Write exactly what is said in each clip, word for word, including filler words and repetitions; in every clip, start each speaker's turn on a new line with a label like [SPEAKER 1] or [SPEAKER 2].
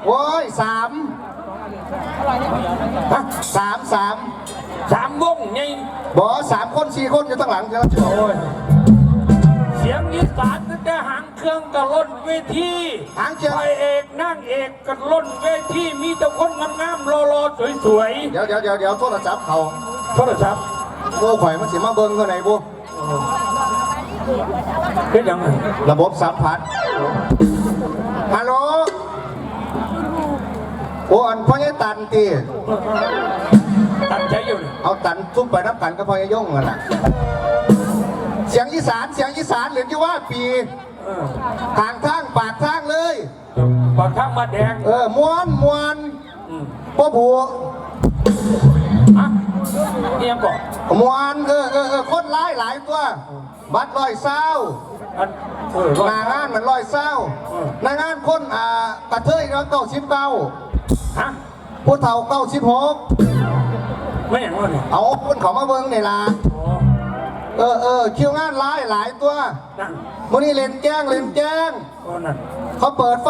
[SPEAKER 1] โอ้ยสามฮะสามสาม
[SPEAKER 2] สามวงไง
[SPEAKER 1] บอสามคนสี่คนอยู่ตั้งหลังจะรับโอ้ย
[SPEAKER 2] เสียงอีสานตั้งแต่หางเครื่องกระล่นเวที
[SPEAKER 1] หางเครื่อง
[SPEAKER 2] พระเอกนั่งเอกกระล่นเวทีมีแต่คนงามๆรอๆสวย
[SPEAKER 1] ๆเดี๋ยวเดี๋ยวเดี๋ยวเดี๋ยวโทรศัพท์เขา
[SPEAKER 2] โทรศัพท์
[SPEAKER 1] โอ้ข่อยมันสิมาเบิ้งเท่าไหร่บุ
[SPEAKER 2] เป็นยังไง
[SPEAKER 1] ระบบสัมผัสฮัลโหลโอ้อันพ่อใหญ่ตันตี
[SPEAKER 2] ตันใจอยู่
[SPEAKER 1] เอาตันทุ่มไปน้ำกันก็พ่อใหญ่ย่งกันล่ะเสียงอีสานเสียงอีสานหรือที่ว่าปีทางทางปากทางเลย
[SPEAKER 2] ปากทางมาแดง
[SPEAKER 1] เออม้วนม้วนพ่อผัว
[SPEAKER 2] อ่ะนี่ยังก่อน
[SPEAKER 1] ม้วนเออเออเออคนร้ายหลายตัวบัดลอยเศร้านางานมันลอยเศร้านางานคนอ่ากระเทยแล้วเก้าสิบเก้า
[SPEAKER 2] ฮะ
[SPEAKER 1] ผู้เฒ่าเก้าสิบหก
[SPEAKER 2] ไม่อย่างนั้น
[SPEAKER 1] เอาคนเขามาเบิ้งนี่ล่ะเออเออคิวงานร้ายหลายตัววันนี้เล่นแจ้งเล่นแจ้งเขาเปิดไฟ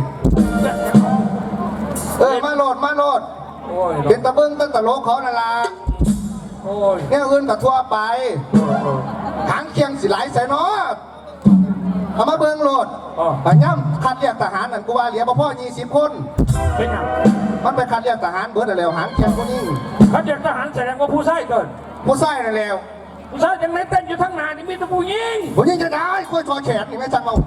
[SPEAKER 1] เออมาโหลดมาโหลดเป็นตะเบิ้งตั้งแต่โลกเขานั่นล่ะเนี่ยอื่นกับทั่วไปหางเคียงสิหลายใส่เนาะเอามาเบิ้งโหลดแต่ย่ำคัดเรียกทหารนั่นกูว่าเหลือพ่อยี่สิบคน
[SPEAKER 2] เป็นยัง
[SPEAKER 1] มันไปคัดเรียกทหารเบิร์ดแล้วหางเคียงคนนี้
[SPEAKER 2] คัดเรียกทหารแสดงว่าผู้ใส่เกิน
[SPEAKER 1] ผู้ใส่นั่นแล้ว
[SPEAKER 2] ผู้ใส่ยังไม่เต้นอยู่ทั้งนานนี่มีแต่ผู้ยิง
[SPEAKER 1] ผู้ยิงจะได้คุยทอแขนนี่ไม่จังเอา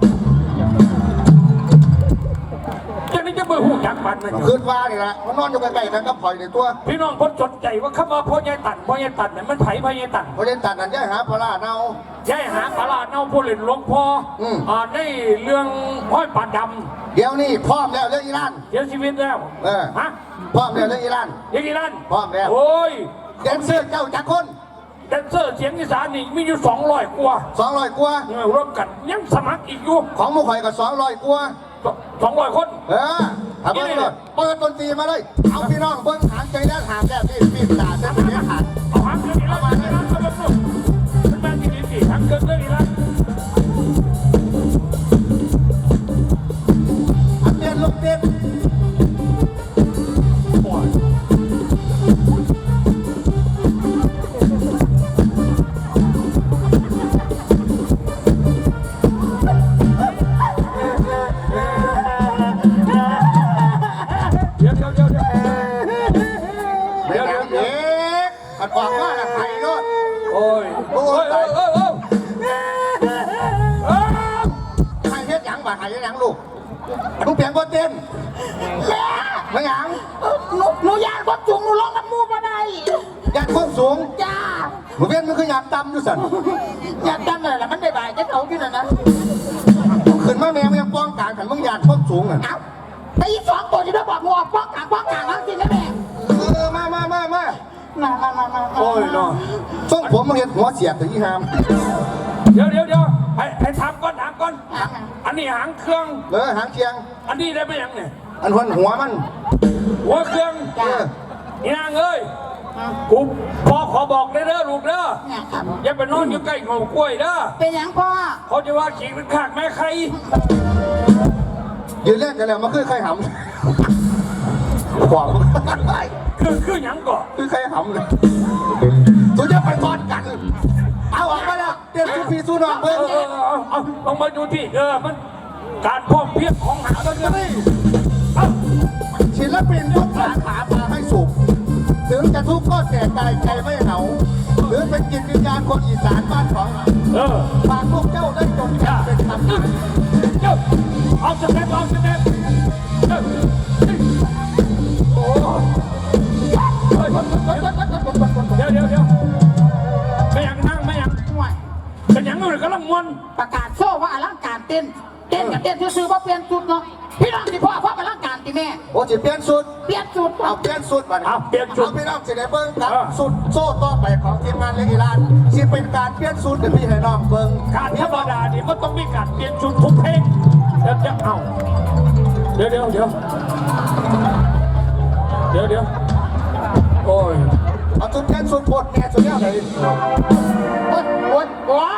[SPEAKER 2] จะนี่จะเบื่อหูจักมันนะ
[SPEAKER 1] คืนว่านี่แหละมันนอนอยู่ใกล้ๆกันก็ปล่อยในตัว
[SPEAKER 2] พี่น้องคนสนใจว่าเข้ามาพ่อใหญ่ตันพ่อใหญ่ตันเนี่ยมันไผ่พ่อใหญ่ตัน
[SPEAKER 1] พ่อใหญ่ตันนั่นย่าหาปลาเน่า
[SPEAKER 2] ย่าหาปลาเน่าผู้เล่นหลวงพ่ออ่าในเรื่องห้อยปลาด
[SPEAKER 1] ำเดี๋ยวนี้พร้อมแล้วเรื่องอิหร่าน
[SPEAKER 2] เสียชีวิตแล้ว
[SPEAKER 1] เออ
[SPEAKER 2] ฮะ
[SPEAKER 1] พร้อมแล้วเรื่องอิหร่าน
[SPEAKER 2] เรื่องอิหร่าน
[SPEAKER 1] พร้อมแล้ว
[SPEAKER 2] โอ้ย
[SPEAKER 1] แดนเซอร์เจ้าจักคน
[SPEAKER 2] แดนเซอร์เสียงอีสานนี่มีอยู่สองร้อยกว่า
[SPEAKER 1] สองร้อยกว่า
[SPEAKER 2] ร่วมกันยังสมัครอีกอยู่
[SPEAKER 1] ของมุขอยกับสองร้อยกว่า
[SPEAKER 2] สองร้อยคน
[SPEAKER 1] เออทำเบิ้งเลยเปิดดนตรีมาเลยเอาพี่น้องเบิ้งหางใจแน่หางแน่พี่พี่ตาเส้นนี้หาง
[SPEAKER 2] เอาหางเกินอีแล้วมาเลยนะเอาแบบนู้นมันมาที่นี่สิหางเกินเลยอีแล้ว
[SPEAKER 1] อันเด่นลูกเด่นบอกว่าไข่รถ
[SPEAKER 2] โอ้ยโอ้ยโอ้ยโอ้ยโอ้ย
[SPEAKER 1] ไข่เฮ็ดยังบ่ไข่เฮ็ดยังลูกลูกเปลี่ยนบทเต้น
[SPEAKER 3] แม่
[SPEAKER 1] ไม่ยัง
[SPEAKER 3] หนูหนูอยากบดสูงหนูร้องน้ำมูมาได้
[SPEAKER 1] อยากควบสูง
[SPEAKER 3] จ้า
[SPEAKER 1] หนูเปลี่ยนมันคืออยากดำอยู่สัน
[SPEAKER 3] อยากดำเลยล่ะมันได้บ่ายจะเขาอยู่นั่นนะ
[SPEAKER 1] ขึ้นมาแม่ยังป้องกันกันมึงอยากควบสูงอ่ะ
[SPEAKER 3] แต่อีสองตัวที่เราบอกมัวป้องกันป้องกันแล้วสินะแม่
[SPEAKER 1] เออมามามามา
[SPEAKER 3] มามามามา
[SPEAKER 1] โอ้ยเนาะช่วงผมมาเห็นหัวเสียบถึงยี่ห้าม
[SPEAKER 2] เดี๋ยวเดี๋ยวเดี๋ยวให้ให้ถามก่อนถามก่อนอันนี้หางเครื่อง
[SPEAKER 1] เออหางเคียง
[SPEAKER 2] อันนี้ได้ไหมยังเนี่ย
[SPEAKER 1] อันหัวหัวมัน
[SPEAKER 2] หัวเครื่องนี่นางเอ้ยกูพ่อขอบอกได้เด้อลูกเด้ออย่าไปนอนอยู่ใกล้เงากล้วยเด้อ
[SPEAKER 3] เป็นยังพ่อ
[SPEAKER 2] เขาจะว่าขี่เป็นขากแม่ใคร
[SPEAKER 1] ยืนเล่นกันแล้วมาคือใครหำขวาง
[SPEAKER 2] คือคือหยังก่อน
[SPEAKER 1] คือใครหำเลยตัวจะไปทอดกันเอาออกมาแล้วเตรียมสุพีสู้นองเบิ้ง
[SPEAKER 2] เออเอาเอาลองมาดูที่เออมันการพ่อเพียบของหาตัวนี้
[SPEAKER 1] ศิลปินทุกสาขาพาให้สุขถึงจะทุกข์ก็แต่ใจใจไม่เหงาหรือเป็นจิตวิญญาณคนอีสานบ้านของเราฝากพวกเจ้าได้จงจำเป็นคำนั้น
[SPEAKER 2] เจ้าเอาสเต็ปเอาสเต็ปโอ้เดี๋ยวเดี๋ยวเดี๋ยวไม่ยังนั่งไม่ยังเป็นยังเลยกำลังมวน
[SPEAKER 3] ประกาศโซ่ว่าอลังการเต้นเต้นกับเต้นซื้อว่าเปลี่ยนชุดเนาะพี่น้องที่พ่อพ่ออลังการที่แม่
[SPEAKER 1] โอ้จะเปลี่ยนชุด
[SPEAKER 3] เปลี่ยนชุด
[SPEAKER 1] เอาเปลี่ยนชุดมา
[SPEAKER 2] เอาเปลี่ยนชุด
[SPEAKER 1] พี่น้องจะได้เบิ้งครับชุดโซ่ต่อไปของทีมงานเลกิลานที่เป็นการเปลี่ยนชุดเดี๋ยวพี่ให้น้องเบิ้ง
[SPEAKER 2] การธรรมดานี่มันต้องมีการเปลี่ยนชุดทุกเพลงเดี๋ยวจะเอาเดี๋ยวเดี๋ยวเดี๋ยวเดี๋ยวเดี๋ยวโอ้ย
[SPEAKER 1] เอาชุดแค่ชุดปวดแก่ชุดนี้เลย
[SPEAKER 3] ปวดปวดปวด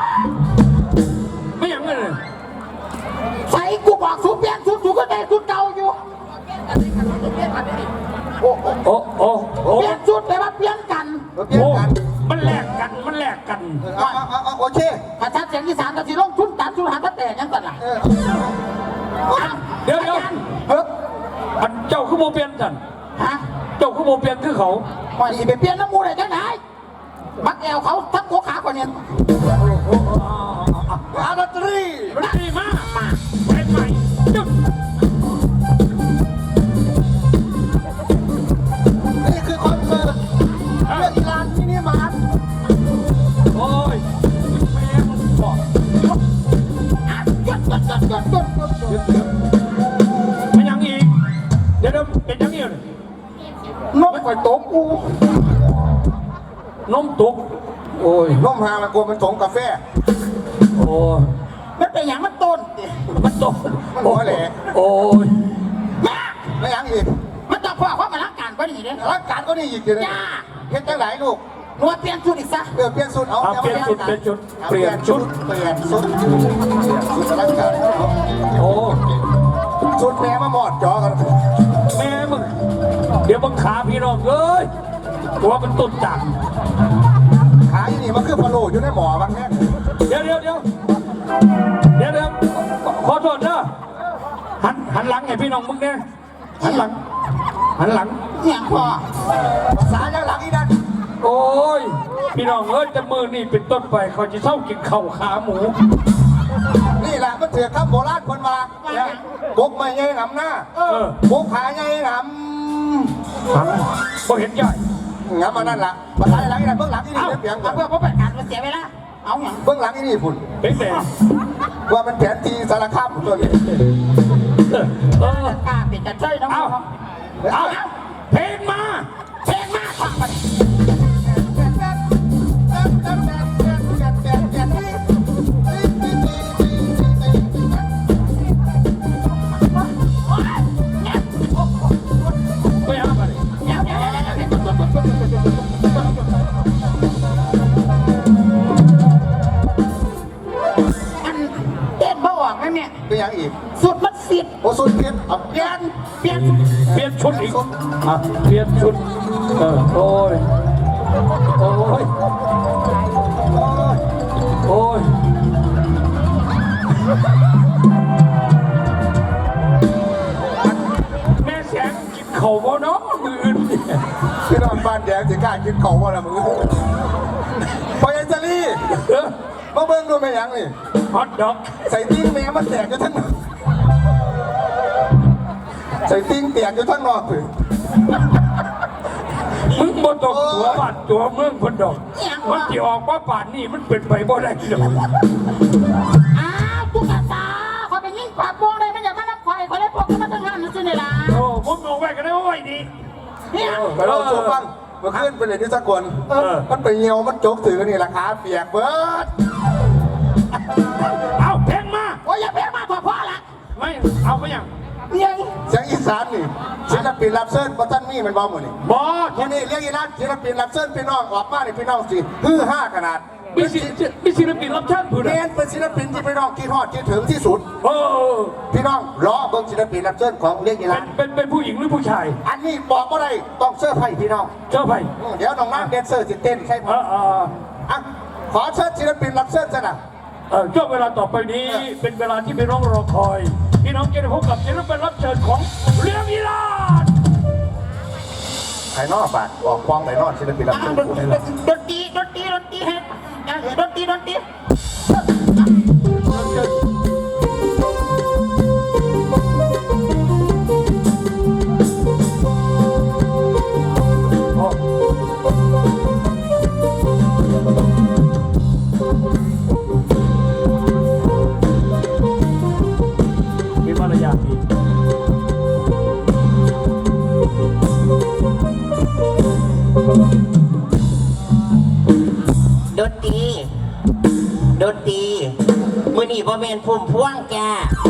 [SPEAKER 2] ไม่ยังเลย
[SPEAKER 3] ใส่กูบอกชุดเปลี่ยนชุดชุดก็ได้ชุดเก่าอยู่
[SPEAKER 1] โอ้โอ้
[SPEAKER 2] โอ้โอ้โอ้
[SPEAKER 3] เปลี่ยนชุดไปว่าเปลี่ยนกัน
[SPEAKER 1] เปลี่ยน
[SPEAKER 2] โอ้
[SPEAKER 1] กัน
[SPEAKER 2] มันแลกกันมันแลกกัน
[SPEAKER 1] เอาเอาเอาโอเค
[SPEAKER 3] ถ้าชัดเสียงอีสานก็สิลงทุนตัดชุดหาตะแต่ยังกันล่ะ
[SPEAKER 1] เออ
[SPEAKER 2] เดี๋ยวเดี๋ยว
[SPEAKER 1] เฮ้ย
[SPEAKER 2] อันเจ้าคือโมเปลี่ยนกัน
[SPEAKER 3] ฮะ
[SPEAKER 2] เจ้าคือโมเปลี่ยนคือเขา
[SPEAKER 3] ว่าสิไปเปลี่ยนน้ำมูได้จังไหนมักแอวเขาทับหัวขาคนนี้
[SPEAKER 1] อาดนตรี
[SPEAKER 2] มันดีมากมาเป็นใหม่จุด
[SPEAKER 1] นี่คือคอนเสิร์ตเรื่องอีลานที่นี่มา
[SPEAKER 2] โอ้ยแม่มึงบอก
[SPEAKER 3] จุดจุดจุดจุดจุดจุด
[SPEAKER 2] มันยังอีกเดี๋ยวเดี๋ยวเป็นยังอีก
[SPEAKER 1] นกไข่ตกกู
[SPEAKER 2] นมตุกโอ้ย
[SPEAKER 1] นมหาละกลัวมันสงกาแฟ
[SPEAKER 2] โอ้ย
[SPEAKER 3] มันเป็นอย่างมันต้น
[SPEAKER 2] มันตก
[SPEAKER 1] มันหัวแหลก
[SPEAKER 2] โอ้ย
[SPEAKER 3] แม่
[SPEAKER 1] ไม่ยังอีก
[SPEAKER 3] มันต้องพ่อความมาล้างการก็ดีเด้
[SPEAKER 1] ร่างการก็นี่อีกทีนึง
[SPEAKER 3] จ้า
[SPEAKER 1] เฮ็ดจังไหนลูก
[SPEAKER 3] นวดเปลี่ยนชุดอีกซะ
[SPEAKER 1] เออเปลี่ยนชุดเอา
[SPEAKER 2] เอาเปลี่ยนชุดเปลี่ยนชุดเปลี่ยนชุด
[SPEAKER 1] เปลี่ยนชุดเปลี่ยนชุดร่างการ
[SPEAKER 2] โอ้
[SPEAKER 1] ชุดแม่มาหมอดจอกัน
[SPEAKER 2] แม่มึงเดี๋ยวมึงขาพี่น้องเอ้ยตัวมันตุ่นจัง
[SPEAKER 1] ขาอยู่นี่มันคือพะโล้อยู่ในหมอบางแง่
[SPEAKER 2] เดี๋ยวเดี๋ยวเดี๋ยวเดี๋ยวเดี๋ยวขอโทษนะหันหันหลังให้พี่น้องมึงเนี่ยหันหลังหันหลัง
[SPEAKER 3] เนี่ยพ่อ
[SPEAKER 1] ภาษาอย่างหลังอีนั่น
[SPEAKER 2] โอ้ยพี่น้องเอ้ยจะมือนี่เป็นต้นไปเขาจะเศร้ากินข้าวขาหมู
[SPEAKER 1] นี่แหละมันเถื่อครับโบราณคนมาบกไม่ใหญ่หนำหน้า
[SPEAKER 2] เออบ
[SPEAKER 1] กขาใหญ่หน
[SPEAKER 2] หันพอเห็นใหญ่
[SPEAKER 1] ำงำมานั่นล่ะภาษาหลังอีนั่นเบื้องหลังอีนี่เปลี่ยน
[SPEAKER 3] เอาเพื่อเพื่อเป็นการเสียเวลาเอาอย่าง
[SPEAKER 1] เบื้องหลังอีนี่พุ่น
[SPEAKER 2] เป็นแต่
[SPEAKER 1] ว่ามันแผนทีสารคามตัวนี้
[SPEAKER 2] เออก
[SPEAKER 3] ล้าเป็นจะช่วยน้อง
[SPEAKER 2] เอา
[SPEAKER 3] เอา
[SPEAKER 2] เอาเพลงมา
[SPEAKER 3] เพลงมากค่ะ
[SPEAKER 2] ไม่เอาไปเลย
[SPEAKER 3] เดี๋ยวเดี๋ยวเดี๋ยวเดี๋ยวเดี๋ยวอันเต้นบ่ออกไหมเนี่ย
[SPEAKER 1] เป็นยังอีก
[SPEAKER 3] สุดมันสิบ
[SPEAKER 1] โอ้สุดเพี้ยนเอา
[SPEAKER 3] เปลี่ยนเปลี่ยน
[SPEAKER 2] เปลี่ยนชุดอีกอ่ะเปลี่ยนชุดเออโอ้ยโอ้ยโอ้ยแม่แสงกินเข่าบ่เนาะมืออื่นเนี่ย
[SPEAKER 1] พี่น้องบ้านแดงจะกล้ากินเขาว่าละมึงพอยายจารี่
[SPEAKER 2] เออ
[SPEAKER 1] มาเบิ่งดูแม่ยังนี่
[SPEAKER 2] ฮอตดอก
[SPEAKER 1] ใส่ติ้งแม่มันแตกอยู่ทั้งนอกใส่ติ้งแตกอยู่ทั้งนอกเลย
[SPEAKER 2] มึงบ่ตกตัวบ้านตัวเมืองคนดอกมันที่ออกว่าป่านนี่มันเป็นไปบ่ได้ดอก
[SPEAKER 3] อ้าวตุ๊กตาคอยไปยิงปากโป่งเลยมันอย่ามารับคอยคอยเลยพวกมันตั้งงานนั่นสิเนี่ยล่ะ
[SPEAKER 2] โอ้มึงเอาไว้กันได้ว่าไว้ดี
[SPEAKER 3] เนี่ย
[SPEAKER 1] ไปลองสูฟังเมื่อคืนไปเลยที่สกลมันไปเหี่ยวมันจกถือนี่ราคาเปียกเบิด
[SPEAKER 2] เอาเพลงมา
[SPEAKER 3] โอ้ยอย่าเพี้ยนมาพอพอละ
[SPEAKER 2] ไม่เอาไปยัง
[SPEAKER 3] เนี่ย
[SPEAKER 1] เสียงอีสานนี่ศิลปินรับเชิญบัตันมีมันเบาหมดนี่
[SPEAKER 2] บอส
[SPEAKER 1] ทีนี้เรียกอีนั่นศิลปินรับเชิญพี่น้องออกมาในพี่น้องสิฮือห้าขนาด
[SPEAKER 2] มีศิลปินมีศิลปินรับเชิญผู้ใด
[SPEAKER 1] เมนเป็นศิลปินที่พี่น้องคิดฮอดคิดถึงที่สุด
[SPEAKER 2] เออ
[SPEAKER 1] พี่น้องรอเบิ่งศิลปินรับเชิญของเรียกอี
[SPEAKER 2] เป็
[SPEAKER 1] นั่
[SPEAKER 2] น
[SPEAKER 1] น
[SPEAKER 2] เป็นเป็นผู้หญิงหรือผู้ชาย
[SPEAKER 1] อันนี้บอกว่าไรต้องเสื้อร์ไผ่พี่น้อง
[SPEAKER 2] เจ้าไป
[SPEAKER 1] อืมเดี๋ยวน้องน้ำแดนเซอร์สิเต้นใช่ไหม
[SPEAKER 2] เออเออ
[SPEAKER 1] อ่ะขอเชิญศิลปินรับเชิญซะนะ
[SPEAKER 2] เออช่วงเวลาต่อไปนี้เป็นเวลาที่พี่น้องรอคอยพี่น้องจะได้พบกับศิลปินรับเชิญของเรื่องอีลาด
[SPEAKER 1] ไข่นอกบาทออกฟองไข่นอกศิลปินรับเชิญ
[SPEAKER 3] ด
[SPEAKER 1] กูนี่แหละ
[SPEAKER 3] นตรีดนตรีดนตรีเฮ็ดดนตรีดนตรี
[SPEAKER 2] มีมารยาทดี
[SPEAKER 4] ดนตรีดนตรีมือนี่บ่แม่นพุ่มพวงแก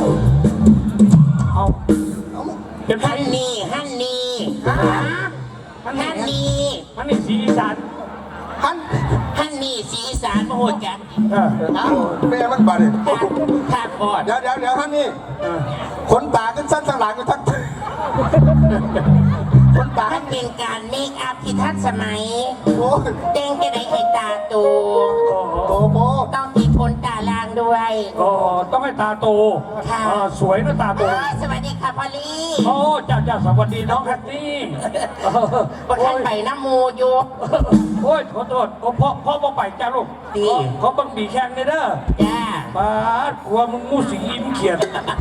[SPEAKER 2] เอาเป็นไง
[SPEAKER 4] ฮันนี่ฮันนี่
[SPEAKER 2] ฮัน
[SPEAKER 4] ฮัน
[SPEAKER 2] นี่
[SPEAKER 4] นี่
[SPEAKER 2] ฮันนี่สีอีสาน
[SPEAKER 1] ฮัน
[SPEAKER 4] ฮันนี่สีอีสานมาโหดกัน
[SPEAKER 2] เออ
[SPEAKER 1] อ้าวแม่มันบาดเลย
[SPEAKER 4] ภาคบอด
[SPEAKER 1] เดี๋ยวเดี๋ยวเดี๋ยวฮันนี่
[SPEAKER 2] เออ
[SPEAKER 1] ขนตาขึ้นสั้นทางหลังอยู่ทั้งคนตา
[SPEAKER 4] มันเป็นการเมคอัพที่ทันสมัย
[SPEAKER 1] โอ้ย
[SPEAKER 4] เด้งจะได้ให้ตาโต
[SPEAKER 1] โตโม
[SPEAKER 4] ต้องมีคนตาลางด้วย
[SPEAKER 2] ก็ต้องให้ตาโต
[SPEAKER 4] ค่ะ
[SPEAKER 2] อ่าสวยนะตาโต
[SPEAKER 4] เอ้ยสวัสดีค่ะพอลลี่
[SPEAKER 2] โอ้จ้าจ้าสวัสดีน้องแพตตี้เออ
[SPEAKER 4] ประทันไปน้ำมูอยู่
[SPEAKER 2] โอ้ยขอโทษโอ้พ่อพ่อบ่ไปจ้าลูก
[SPEAKER 4] ดี
[SPEAKER 2] เขาบังบีแข้งเลยเด้อ
[SPEAKER 4] จ้า
[SPEAKER 2] ป้าดกลัวมึงมูสีอินเขียน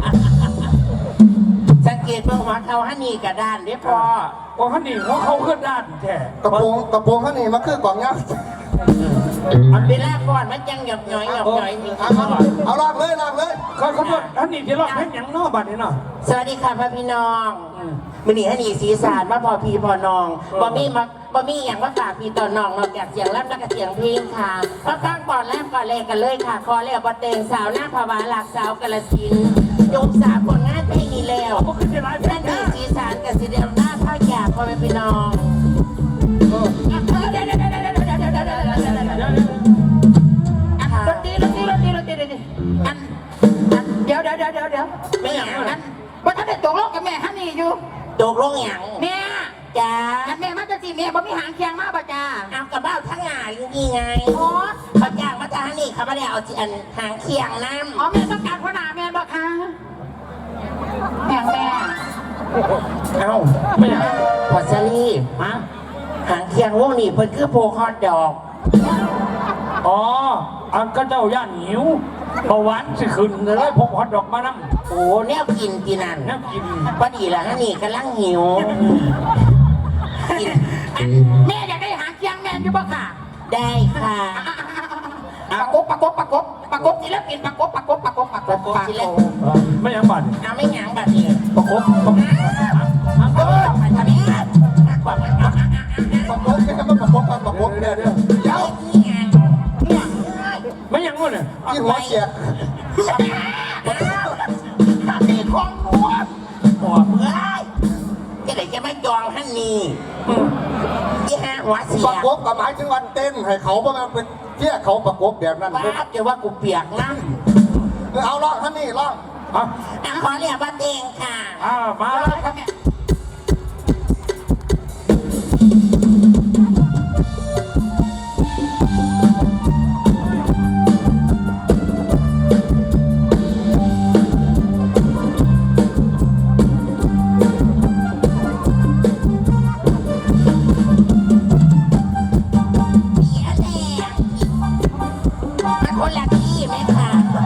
[SPEAKER 4] สังเกตเบื้องหัวเขาฮันนี่กระดานเด้อพ่อ
[SPEAKER 2] ว่าฮันนี่เขาเขาขึ้นด้านแท้
[SPEAKER 1] กระโปรงกระโปรงข้างนี้มันคือกล่องเงี้ย
[SPEAKER 4] อันเวลาก่อนมันยังหยอกหน่อยหยอกหน่อยมี
[SPEAKER 1] เอาเอาเอาลากเลยลากเลย
[SPEAKER 2] เขาเขาบอกฮันนี่ที่รอดแค่ยังนอกบัดนี้เนาะ
[SPEAKER 4] สวัสดีค่ะพ่อพี่น้อง
[SPEAKER 2] อืม
[SPEAKER 4] มันนี่ฮันนี่สีสานมาพอพี่พอน้องบ่มีมาบ่มีอย่างว่าฝากพี่ต่อน้องนอกจากเสียงแรปและก็เสียงเพลงค่ะก็ตั้งก่อนแรปก่อนเลยกันเลยค่ะคอเรียกว่าเตงสาวหน้าภาวะหลักสาวกาลสินธุ์ยกสาผลงานเพลงนี้แล้ว
[SPEAKER 2] เขาขึ้นที่ร้านแพ
[SPEAKER 4] นั่
[SPEAKER 2] ท
[SPEAKER 4] น
[SPEAKER 2] ย์
[SPEAKER 4] คื
[SPEAKER 2] นะ
[SPEAKER 4] อสีสานกับสีเดียวหน้าภาคอยากพ่อแม่พี่น้องดนตรีดนตรีดนตรีดนตรีดนตรีอันอันเดี๋ยวเดี๋ยวเดี๋ยวเดี๋ยวเดี๋ยวไม่อย่างนั้นว่าท่านได้ตกลงกับแม่ฮันนี่อยู่ตกลงอย่างแม่จ้าแม่มาจะจีแม่บ่มีหางเคียงมาป่ะจ้าเอากระเบ้าทั้งงานยังไงอ๋อเขาจ้างมาจ้าฮันนี่เขาไม่ได้เอาอันหางเคียงน้ำอ๋อแม่ต้องการพ่อหนาแม่บ่คะแม่แม่เอ้า
[SPEAKER 2] ไม่อยาก
[SPEAKER 4] พอซารี่ฮะหางเคียงวงนี่เพิ่นคือโพคอดดอก
[SPEAKER 2] อ๋ออันก็เจ้าย่านหิวเบาหวานสิขึ้นเลยพกฮอตดอกมานั่ง
[SPEAKER 4] โอ้แนวกินกินนั่น
[SPEAKER 2] น้ำกิน
[SPEAKER 4] พอดีละฮะนี่กำลังหิวกินอันแม่อยากได้หางเคียงแม่อยู่บ่ค่ะ ได้ค่ะปากกบปากกบปากกบปากกบศิลปินปากกบปากกบปากกบปากกบปากกบ
[SPEAKER 2] ไม่อยากบัด
[SPEAKER 4] เอาไม่หยังบัดนี้
[SPEAKER 2] ประคบประคบ
[SPEAKER 4] เออไปทำนี้กว่ามัน
[SPEAKER 1] ประกบเนี่ยมันประกบกันประกบเนี่ยเดี๋ยวเดี๋ยว
[SPEAKER 4] นี่ไงเนี่ย
[SPEAKER 2] ไม่อยังงู้นเนี่ย
[SPEAKER 1] ที่หัวเสียก
[SPEAKER 4] ทำนี่ของหัวหัวเมื่อยจะได้จะไม่จองท่านนี่ยี่ห้าหัวเสีย
[SPEAKER 1] ประกบกับหมายถึงวันเต้นให้เขาเพราะมันเป็นเที่ยเขาประกบแบบนั้น
[SPEAKER 4] ป้าจะว่ากูเปียกน้ำ
[SPEAKER 1] เอาล่องท่านนี่ล่อง
[SPEAKER 2] อ่ะ
[SPEAKER 4] อ่ะขอเรียกว่าเตงค่ะ
[SPEAKER 2] อ่ามาแล้วครับ
[SPEAKER 4] เสียแดงมันคนละที่ไหมค่ะ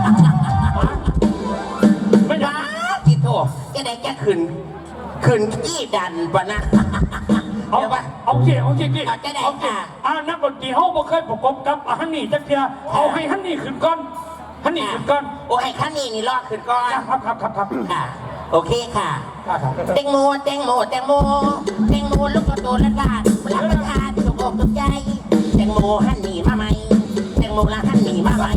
[SPEAKER 2] ไม่อยา
[SPEAKER 4] ว้าก จิโตจะได้จะขึ้นขึ้นที่ดันปะนะ
[SPEAKER 2] เอา
[SPEAKER 4] เดี๋ยวว่า
[SPEAKER 2] เอาเกี่เอาเกี่
[SPEAKER 4] เอาจะได้
[SPEAKER 2] เอาเกี่
[SPEAKER 4] ค่ะ
[SPEAKER 2] อ่านักดนตรีเขาบ่เคยประกบกับฮันนี่จักเทียเอาให้ฮันนี่ขึ้นก่อนฮันนี่ขึ้นก่อน
[SPEAKER 4] โอ้ยข้านี่นี่รอดขึ้นก่อน
[SPEAKER 2] ครับครับครับครับ
[SPEAKER 4] ค่ะ โอเคค่ะ
[SPEAKER 2] ครับครับ
[SPEAKER 4] แตงโมแตงโมแตงโมแตงโมลูกกระโดดละลาดรับประทานถูกอกถูกใจแตงโมหันหนีมาไหมแตงโมละหันหนีมาไหม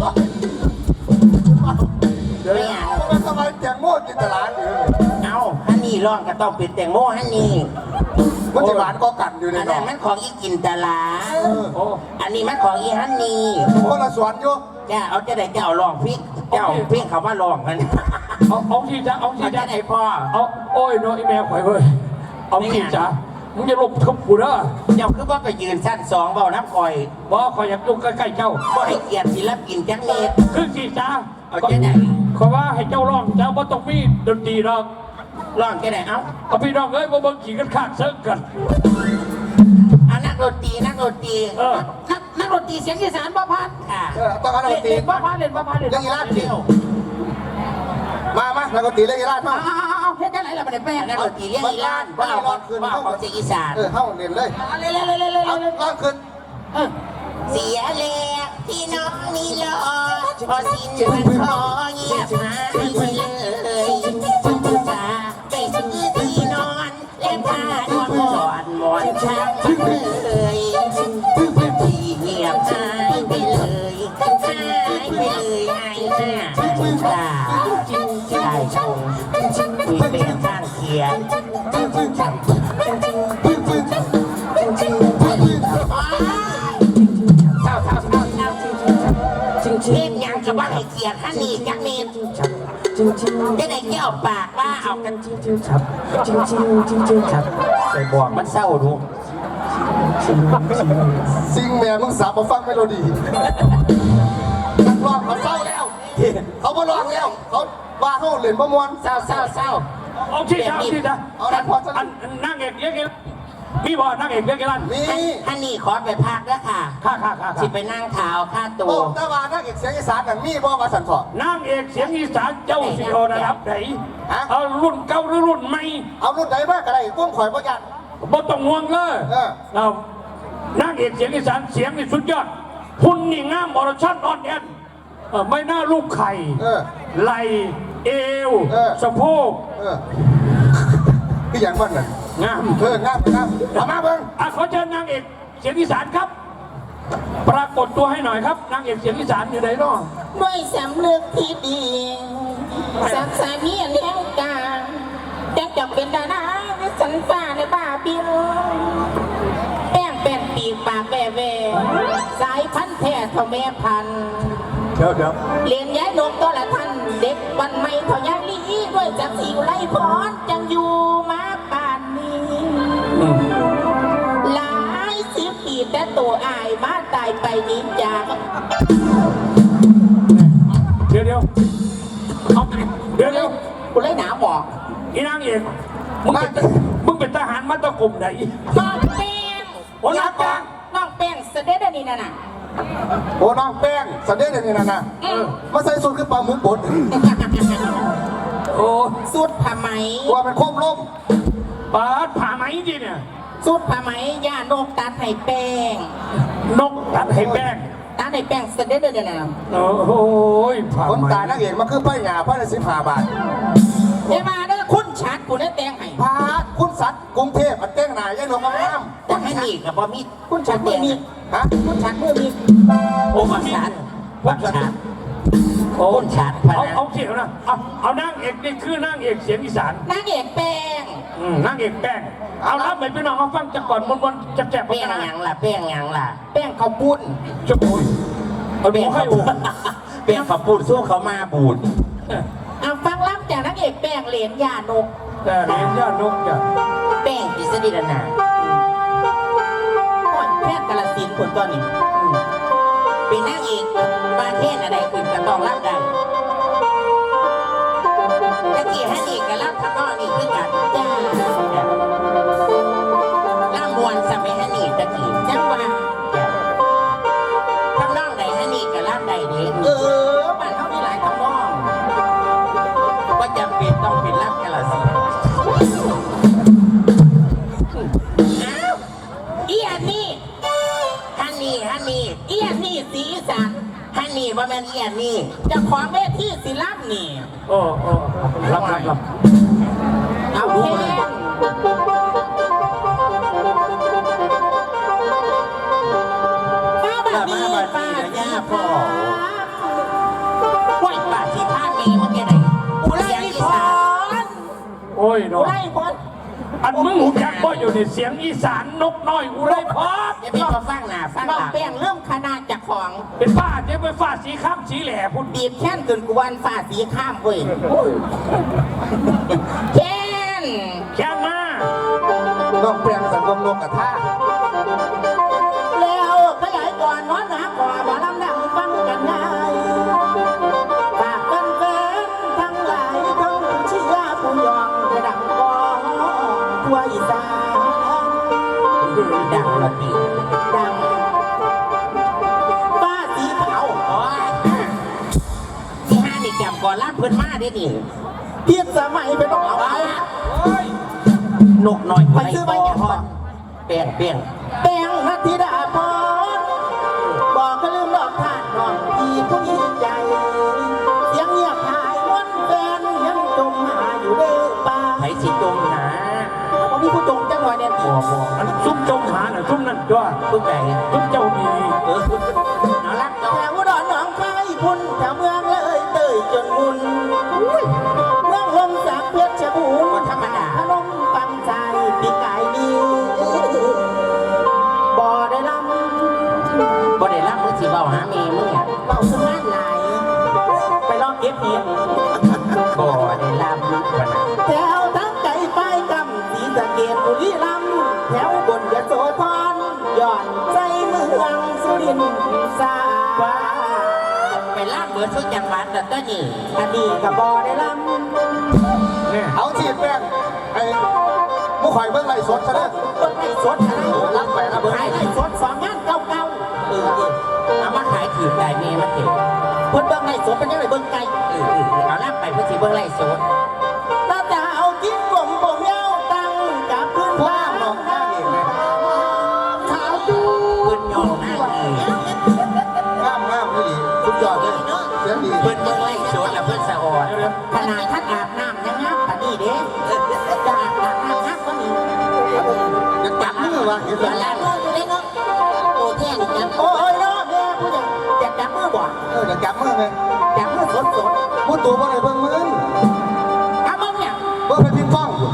[SPEAKER 4] ไม่เอา
[SPEAKER 1] มันทำไมแจงโม่จินตลาดอยู่
[SPEAKER 4] เอาหันหนีร้องก็ต้องเป็นแตงโมหันหนี
[SPEAKER 1] มันจะหวานก็กันอยู่ใน
[SPEAKER 4] อัน
[SPEAKER 1] หน
[SPEAKER 4] นั้
[SPEAKER 1] อน ง
[SPEAKER 4] มันของอีกินตลา
[SPEAKER 2] โอ้
[SPEAKER 4] อันนี้มันของอีหันหนี
[SPEAKER 1] คนละสวนอยู่
[SPEAKER 4] จ้าเอาจะได้เจ้าลองพิกเจ้าเพียงเขาว่าลองกัน
[SPEAKER 2] เอาเอาที่จ้าเอาที่
[SPEAKER 4] เอา
[SPEAKER 2] จ้า
[SPEAKER 4] จะได้พ่อ
[SPEAKER 2] เอาโอ้ยน้อยแมวข่อยเว้ยเอาที่จ้ามึงจะลบทุบกูเด้อ
[SPEAKER 4] เจ้าคือว่าไปยืนสั้นสองเบาน้ำคอย
[SPEAKER 2] บ่ข่อยอยากอยู่ใกล้ๆเจ้า
[SPEAKER 4] ก็ให้เกียรติศิลปินจังเมตร
[SPEAKER 2] คือที่จ้า
[SPEAKER 4] เอาจะได้
[SPEAKER 2] ขอว่าให้เจ้าร้องเจ้าบ่ต้องมีดนตรีหรอก
[SPEAKER 4] ลองจะได้เอ้า
[SPEAKER 2] เอาพี่น้องเอ้ยบ่เบิ่งขี่กันขาดเซิร์กัน
[SPEAKER 4] เอานักดนตรีนักดนตรี
[SPEAKER 2] เออ
[SPEAKER 3] นักนักดนตรีเสียงอีสานบ่พัด
[SPEAKER 4] ค่ะ
[SPEAKER 1] เออต้องการด
[SPEAKER 3] เล่
[SPEAKER 1] น
[SPEAKER 3] น
[SPEAKER 1] ตรี
[SPEAKER 3] เล่นบ่พัดเล่นบ่พัดเล่น
[SPEAKER 1] เรื่องอีลาดสิมามาแล้วก็ตีเรื่องอีลาดมา
[SPEAKER 3] เอาเอาเอาเฮ็ดจังไหนล่ะบัดนี้แม่
[SPEAKER 4] นักดนตรีเรียกอีลานว่าเอาของว่าเอาของเสียงอีสาน
[SPEAKER 1] เออเข้าเรียนเลย
[SPEAKER 3] เล่นเล่นเล่นเล่นเล่น
[SPEAKER 1] เอา
[SPEAKER 3] เล่น
[SPEAKER 1] ล่างขึ้น
[SPEAKER 3] เออ
[SPEAKER 4] เสียแลกที่น้องนี่รอพอสิ้นวันขอเงียบหายไปเลยจะไปซื้อที่นอนและผ้านอนหมอนหมอนช่างเลยที่เงียบหายไปเลยหายไปเลยหายหน้าตาชายชงคุยเป็นข้างเคียง เท่าเท่าเท่าเท่าเล่นยังกับว่าให้เกียรติท่านนี่จักเมตร
[SPEAKER 5] จริงจริง
[SPEAKER 4] ยังไงแก้วปากว่าเอากันจริง
[SPEAKER 5] จริงครับจริงจริงจริงจริงครับ
[SPEAKER 2] ใส่บอก
[SPEAKER 4] มันเศร้าดู
[SPEAKER 1] ซิงแม่มึงสาบมาฟังเมโลดี้นักร้องเขาเศร้าแล้ว เขาบ่ร้องแล้ว เขาว่าเขาเล่นบ่มวน
[SPEAKER 4] เศร้าเศร้าเศร้า
[SPEAKER 2] เอาที่ทางที่ทาง
[SPEAKER 1] เอาละพอจะ
[SPEAKER 2] อันนั่งเอกเลี้ยงกันพี่บอกนั่งเอกเลี้ยงกัน
[SPEAKER 1] มี
[SPEAKER 4] ท่านนี่ขอไปพักแล้วค่ะ
[SPEAKER 2] ค่าค่าค่า
[SPEAKER 4] สิไปนั่งเท้าค่าตั
[SPEAKER 1] โอ้
[SPEAKER 4] ว
[SPEAKER 1] แต่ว่านักเอกเสียงอีสานนั่นมีบ่มาสั่นสอน
[SPEAKER 2] นั่งเอกเสียงอีสานเจ้าสิโอระดับไหน
[SPEAKER 1] ฮะ
[SPEAKER 2] เอารุ่นเก่าหรือรุ่นใหม่
[SPEAKER 1] เอารุ่นไหนมากก็ได้พวกข่อยบ่ยัน
[SPEAKER 2] บ่ต้องห่วงเลย
[SPEAKER 1] เออ
[SPEAKER 2] เอานั่งเอกเสียงอีสานเสียงนี่สุดยอดหุ่นนี่งามอรชันอ่อนแอนเออไม่น่าลูกไข่
[SPEAKER 1] เออ
[SPEAKER 2] ไหลเอว
[SPEAKER 1] เออ
[SPEAKER 2] สะโพก
[SPEAKER 1] เออคืออย่างมันน่ะ
[SPEAKER 2] งาม
[SPEAKER 1] เอองามงามเอามาเบิ่ง
[SPEAKER 2] อ่ะขอเชิญนางเอกเสียงอีสานครับ ปรากฏตัวให้หน่อยครับนางเอกเสียงอีสานอยู่ไหนเนาะ
[SPEAKER 3] ด้วยสำนึกที่ดีสักสามีเลี้ยงกาแต่จะเป็นดาราในสันฟ้าในบ้าบินแป้งเป็นปีกปากแว่แว่สายพันธุ์แท้เท่าแม่พันธุ์
[SPEAKER 1] เดี๋ยวเดี๋ยว
[SPEAKER 3] เรียนย้ายนกตัวละท่านเด็กวันใหม่เท่ายายลีด้วยจากสิวไล่พรจังอยู่มาป่านนี้ หลายสิบปีแต่ตัวอายมาตายไปนี้จาก
[SPEAKER 2] เดี๋ยวเดี๋ยว
[SPEAKER 3] เอา
[SPEAKER 2] เดี๋ยวเดี๋ยว
[SPEAKER 3] กูเลยหนาบอก
[SPEAKER 2] อีนางเอกมึงเป็นมึงเป็นทหารมาตะกลุ่มไหน
[SPEAKER 3] น้องแป้ง
[SPEAKER 2] โอ้นักกลาง
[SPEAKER 3] น้องแป้งเสด็จอันนี้น่ะน่ะ
[SPEAKER 1] โอ้น้องแป้งสันเดชนี่นั่นน่ะ
[SPEAKER 3] อืม
[SPEAKER 1] มาใส่สูทคือปลาหมึกบด
[SPEAKER 2] โอ้
[SPEAKER 3] สุดผ้าไหม
[SPEAKER 1] ตัวเป็นโค้มล้ม
[SPEAKER 2] ปาดผ่าไหมดิเนี่ย
[SPEAKER 3] สุดผ้าไหมย่านกตัดให้แป้ง
[SPEAKER 2] นกตัดให้แป้ง
[SPEAKER 3] ตัดให้แป้งเสด็จอันนี้น่ะ
[SPEAKER 2] โอ้โหผ่า
[SPEAKER 1] คน
[SPEAKER 2] ไหม
[SPEAKER 1] ตายนักเอกมาคือป้ายหยาป้ายละสิบห้าบาท
[SPEAKER 3] เดี๋ยวมาเด้อคุณชัดกูได้แต่งให้
[SPEAKER 1] พาคุณสัตว์กรุงเทพอันเต้งหนายยายหนกงาม
[SPEAKER 4] แต่ให้นี่กับบ่มี
[SPEAKER 3] คุณชัดมือมี
[SPEAKER 1] ๆฮะ
[SPEAKER 3] คุณชัดมือมี
[SPEAKER 2] โอ้
[SPEAKER 4] บั
[SPEAKER 2] มาก
[SPEAKER 4] ชัด
[SPEAKER 2] บั
[SPEAKER 4] บั
[SPEAKER 2] ก
[SPEAKER 4] ก
[SPEAKER 2] ชั
[SPEAKER 4] ชั
[SPEAKER 2] ด
[SPEAKER 4] ด
[SPEAKER 2] โอ้
[SPEAKER 4] คนชัดพะ
[SPEAKER 2] เอา
[SPEAKER 4] นะ
[SPEAKER 2] เอาเขียวนะเอาเอานางเอกนี่คือนางเอกเสียงอีสาน
[SPEAKER 3] นางเอกแป้ง
[SPEAKER 2] อืมนางเอกแป้งเอารับไปพี่น้องมาฟังจากก่อนมวนๆแจกๆ
[SPEAKER 4] แป้ง
[SPEAKER 2] กัน
[SPEAKER 4] ห
[SPEAKER 2] นะ
[SPEAKER 4] ยังล่ะแป้งหยังล่ะ
[SPEAKER 3] แป้งข้าวปุ้น
[SPEAKER 2] จะโอยเอาดู
[SPEAKER 4] แป้ง
[SPEAKER 2] ให้
[SPEAKER 4] ข้าว
[SPEAKER 2] โอ้
[SPEAKER 4] ปูดแป้งข้าวปูดสู้เขามาบูด
[SPEAKER 3] เอาฟังล้ำจากนางเอกแป้งเหรียญยานก
[SPEAKER 2] แต่เรียนญาตินกจ้ะ
[SPEAKER 4] แป้งกิษฎีรนา
[SPEAKER 3] ก่อนแพทย์กาลสินธุ์ผลตัวนี้
[SPEAKER 4] เป็นนางเอกบาเทศอะไรคุณก็ต้องรับได้ตะกี้ฮันนี่กับรับทำนองนี่คือกัน
[SPEAKER 3] จ้า
[SPEAKER 4] ล่ามวนสมัยฮันนี่ตะกี้
[SPEAKER 3] จังหวะ
[SPEAKER 4] ทำนองใดฮันนี่กับรับใดเด้
[SPEAKER 3] เออบ้านเขามีหลายทำนอง
[SPEAKER 4] ว่าจำเป็นต้องเป็นรับกันละสิ
[SPEAKER 3] อ้าวอีอันนี้
[SPEAKER 4] ฮันนี่ฮันนี่
[SPEAKER 3] อีอันนี้สีอีสาน
[SPEAKER 4] ฮันนี่ว่าแม่นเอียนนี่
[SPEAKER 3] เจะของเวทีศิลป์นี่
[SPEAKER 2] โอ้โอ้รับรับรับ
[SPEAKER 3] เอาแค่ป้าบัดนี้ป้าจีพ่อ
[SPEAKER 4] ไหวป่าสีข้ามีเมื่อกี้ไหน
[SPEAKER 3] อุไร
[SPEAKER 4] เสียง
[SPEAKER 3] พ
[SPEAKER 4] อีสาน
[SPEAKER 3] ร
[SPEAKER 2] โอ้ย
[SPEAKER 3] อุ
[SPEAKER 2] เนาะ
[SPEAKER 3] ไรพร
[SPEAKER 2] อันมึงหูจักบ่อยู่ในเสียงอีสานนกน้อยอุไรพอด
[SPEAKER 4] จะเป็นมาฟังหน้าฟัง
[SPEAKER 3] น้อ
[SPEAKER 4] ห
[SPEAKER 3] ง
[SPEAKER 4] ลัง
[SPEAKER 3] แป้งเริ่มขนาดจากของ
[SPEAKER 2] เป็นป้าเจ๊ไปฟ้าสีข้ามสีแหล่พุ่น
[SPEAKER 3] บีบแค้นจนกวนฝ่าสีข้ามเว้ยแค้น
[SPEAKER 2] แค่มา
[SPEAKER 1] น้องแป้งสังคมนกกระทา
[SPEAKER 3] แล้วขยายก่อนนอนหนาก่อบ่ลำดังฟังกันได้ฝากกันเกินทั้งหลายทั้งเชื่อผู้ยองกระดังก่อทั่วอีสาน
[SPEAKER 4] ดังละตี
[SPEAKER 3] ดังฟ้าสีขาว
[SPEAKER 4] โอ้ยที่ห้านี่แกมก่อนล่าเพื่อนมาได้ดิ
[SPEAKER 3] เพียรสมัยไปต้องเอา
[SPEAKER 4] นกน้อย
[SPEAKER 3] ไปซื้อไปแก่พ่อ
[SPEAKER 4] เปลี่ยนเปลี่ยน
[SPEAKER 3] แป้งนัทธิดาพรบอกก็ลืมดอกทานนอนพี่ผู้ยิ่งใหญ่เสียงเงียบหายวันแฟนยังจมหาอยู่เด้อป่า
[SPEAKER 4] ไผสิจมหา
[SPEAKER 3] ผมมีผู้จงจังหวะเนี่ย
[SPEAKER 4] บัวบัว
[SPEAKER 2] อันซุ่มจงหาน่ะซุ่มนั่นจ้ะ
[SPEAKER 4] ทุกแก่
[SPEAKER 2] ซุ่มเจ้ามี
[SPEAKER 4] เออน่ารัก
[SPEAKER 3] แถ
[SPEAKER 4] เนาะ
[SPEAKER 3] วอุดรหนองคายพุ่นแถวเมืองเลยเตยจนมุนเมืองลมสักเพชรบูรณ์ธรรมดาพนมปังใจปีกายดีบ่ได้ลำ
[SPEAKER 4] บ่ได้รับมือสิเบาหาเมย์มึงอ่ะ
[SPEAKER 3] เบาสมาร์ทหลาย ไปลองเก็บเห็ดรีรัมย์แถวบนยโสธรย้อนใจเมืองสุรินทร์สาว่า
[SPEAKER 4] ไปล่าเบิดทุกจังหวัดแต่ต้นนี่
[SPEAKER 3] อันนี้กับบอได้ล
[SPEAKER 2] เนี่ย
[SPEAKER 1] เอาจีบแป้งไอ้มุกข่อยเบิ่งไล่สดซะเด้อ
[SPEAKER 3] ำต้นไม้สดอะไร
[SPEAKER 1] รับไปนะเบิ่ง
[SPEAKER 3] ขายไม้สดสองงานเก่า
[SPEAKER 4] เออดิเอามาขายถือได้เมย์มาเถอะ
[SPEAKER 3] ๆเพิ่นเบิ่งไม้สดเป็นยังไงเบิ่งไก่
[SPEAKER 4] เออเออเอาล่าไปเพื่อสิเบิ่งไล่สด
[SPEAKER 3] ตาจะเอาจิ้มผมผมยาวตั้งกับพื้น
[SPEAKER 1] ว่า
[SPEAKER 3] บ้าน
[SPEAKER 1] น้องหน้าเอกเลย
[SPEAKER 3] ขาวดู
[SPEAKER 4] เพิ่นยองหน้าเอง
[SPEAKER 1] งามงามนี่สุดยอดเลยเสียงดี
[SPEAKER 4] เพิ่นเบิ่งไล่สดแล้วเพิ่นสะออด
[SPEAKER 3] ขนาดท่านอาบน้ำยังงามปานนี้เด้จะอาบน้ำงามกว่านี้
[SPEAKER 1] จะจับมือวะเห็นไหม
[SPEAKER 4] ล่าเบิดเลยเนาะโอ้แท่นี่จัง
[SPEAKER 3] โอ้ยเนาะแม่ผู้ใหญ่จะจับมือบ่
[SPEAKER 1] เออจะจับมือไหม
[SPEAKER 3] จับมือสดสด
[SPEAKER 1] พูดตัวว่าอะไรเบิ่งมึง
[SPEAKER 3] ๆเอาบ้างเนี่ย
[SPEAKER 1] เบิ่งไปพิมพ์กล้องอยู่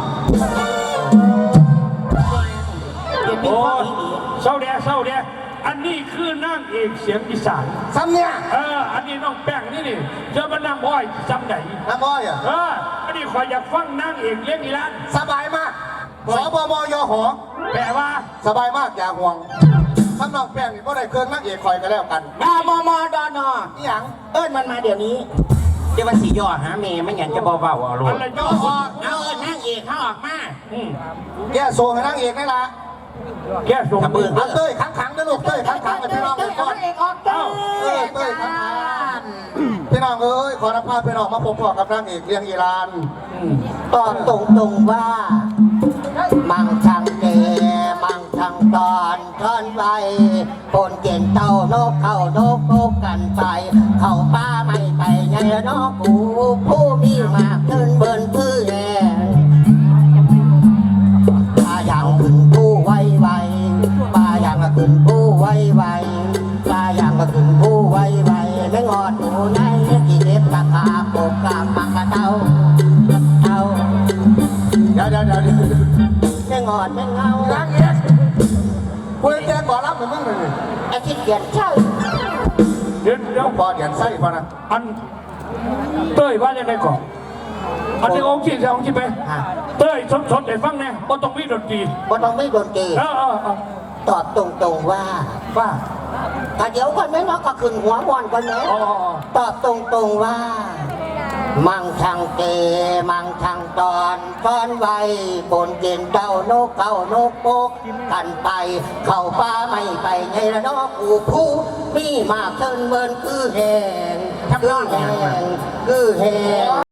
[SPEAKER 3] เดี๋ยวพี่
[SPEAKER 2] โอ้
[SPEAKER 3] พ่อย ดี
[SPEAKER 2] เศร้าแด่เศร้าแด่อันนี้คือนางเอกเสียงอีสาน
[SPEAKER 1] ซ้ำเนี่ย
[SPEAKER 2] เอออันนี้น้องแป้งนี่นี่เจอมานางอ้อยจำไหน
[SPEAKER 1] น้ำอ้อยอ่ะ
[SPEAKER 2] เอออันนี้คอยอยากฟังนางเอกเลี้ยงอีร้าน
[SPEAKER 1] สบายมากสบมยหอ
[SPEAKER 2] แปลว่า
[SPEAKER 1] สบายมากอย่าห่วงทำน้องแป้งนี่ก็ได้เครื่องนักเอกคอยกันแล้วกัน
[SPEAKER 3] ดามอมอดอนอ
[SPEAKER 1] นี่หยัง
[SPEAKER 3] เอิ้นมันมาเดี๋ยวนี้
[SPEAKER 4] เดี๋ยวมันสิย่อหาเมย์ไม่งั้นจะเบาๆเอาลู
[SPEAKER 2] อั
[SPEAKER 4] ก
[SPEAKER 2] นละย่อ
[SPEAKER 4] เอาเออนางเอกเขาออกมา
[SPEAKER 2] อืม
[SPEAKER 1] แกโซให้นักเอกได้ละ
[SPEAKER 2] แก้ส่ง
[SPEAKER 4] กระเบื้อง
[SPEAKER 1] เอาเต้ยขังขังๆนะลูกเต้ยขังขังๆกับพี่น้องเลยก่อน
[SPEAKER 3] เอกออกเต้ย
[SPEAKER 1] เออเต้ยขังขังๆพี่น้องเอ้ยขอรับภาพพี่น้องมาพบกับนางเอกเลี้ยงอีราน
[SPEAKER 2] อืม
[SPEAKER 3] ตอบตรงๆว่า มังทางเดมังทางตอนทอนไปปนเก่งเต้านกเข้านกโกกันไป เข้าป้าไม่ไปไงนกกูผู้มีมากขึ้นเบินพื้นแย่ป้าอย่างขึ้นผู้ไวไวป้าอย่างก็ขึ้นผู้ไวไวป้าอย่างก็ขึ้นผู้ไวไวไม่งอดอยู่ในกี่เด็บตะขาปกกลางปังกระเต้าเต้า
[SPEAKER 1] เดี๋ยวเดี๋ยวเดี๋ยวเดี๋ยว
[SPEAKER 3] ไม่งอดไม่เงาน
[SPEAKER 1] างเอกคุยแกก่อนรับเหมือนมึงเลย
[SPEAKER 3] ไอ้ที่เกียจเช่า
[SPEAKER 2] เดี๋ยวเดี๋ยว
[SPEAKER 1] พอเดี๋ยวไส้พอนะ
[SPEAKER 2] อันเต้ยว่ายังไงก่อนอันนี้องค์ที่ใช่องค์ที่ไปเต้ยสดสดๆให้ฟังแน่บ่ต้องมีดนตรี
[SPEAKER 3] บ่ต้องไม่โดนเกย์
[SPEAKER 2] เออเออเออ
[SPEAKER 3] ตอบตรงๆว่า
[SPEAKER 2] ว่า
[SPEAKER 3] แต่เดี๋ยวก่อนไหมเนาะก็ขึ้นหัวบอลก่อนไหม
[SPEAKER 2] อ๋ออ๋ออ๋อ
[SPEAKER 3] ตอบตรงๆว่า มังทางเกมังทางตอนตอนไวบนเกณฑ์เต้านกเข้านกโปกกันไป เข้าป้าไม่ไปไงละนกกูผู้มีมากเทินเบินคือแหงคือแหงคือแหง